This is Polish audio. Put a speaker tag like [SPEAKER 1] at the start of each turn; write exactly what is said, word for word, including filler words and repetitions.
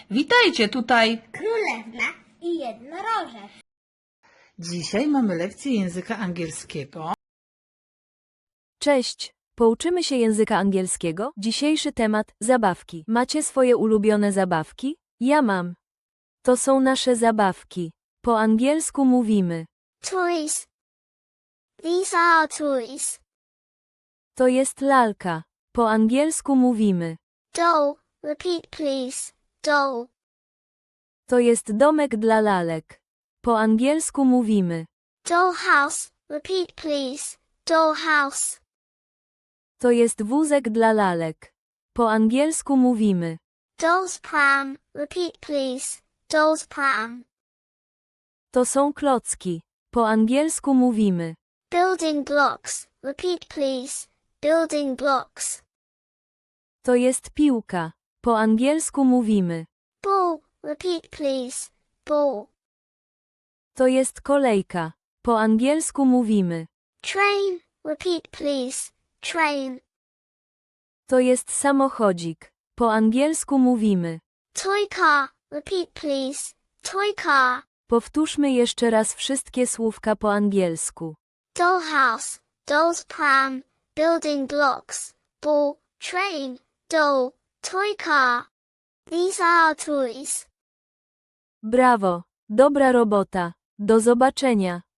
[SPEAKER 1] Witajcie tutaj!
[SPEAKER 2] Królewna i jednorożec.
[SPEAKER 1] Dzisiaj mamy lekcję języka angielskiego.
[SPEAKER 3] Cześć! Pouczymy się języka angielskiego. Dzisiejszy temat – zabawki. Macie swoje ulubione zabawki? Ja mam. To są nasze zabawki. Po angielsku mówimy.
[SPEAKER 2] Toys. These are toys.
[SPEAKER 3] To jest lalka. Po angielsku mówimy.
[SPEAKER 2] Doll. Repeat please. Doll.
[SPEAKER 3] To jest domek dla lalek. Po angielsku mówimy.
[SPEAKER 2] Dollhouse. Repeat please. Dollhouse.
[SPEAKER 3] To jest wózek dla lalek. Po angielsku mówimy.
[SPEAKER 2] Doll's pram. Repeat please. Doll's pram.
[SPEAKER 3] To są klocki. Po angielsku mówimy.
[SPEAKER 2] Building blocks. Repeat please. Building blocks.
[SPEAKER 3] To jest piłka. Po angielsku mówimy.
[SPEAKER 2] Ball. Repeat please. Ball.
[SPEAKER 3] To jest kolejka. Po angielsku mówimy.
[SPEAKER 2] Train. Repeat please. Train.
[SPEAKER 3] To jest samochodzik. Po angielsku mówimy.
[SPEAKER 2] Toy car. Repeat please. Toy car.
[SPEAKER 3] Powtórzmy jeszcze raz wszystkie słówka po angielsku.
[SPEAKER 2] Dollhouse. Doll's pram. Building blocks. Ball. Train. Doll. Toy car. These are toys.
[SPEAKER 3] Brawo! Dobra robota! Do zobaczenia!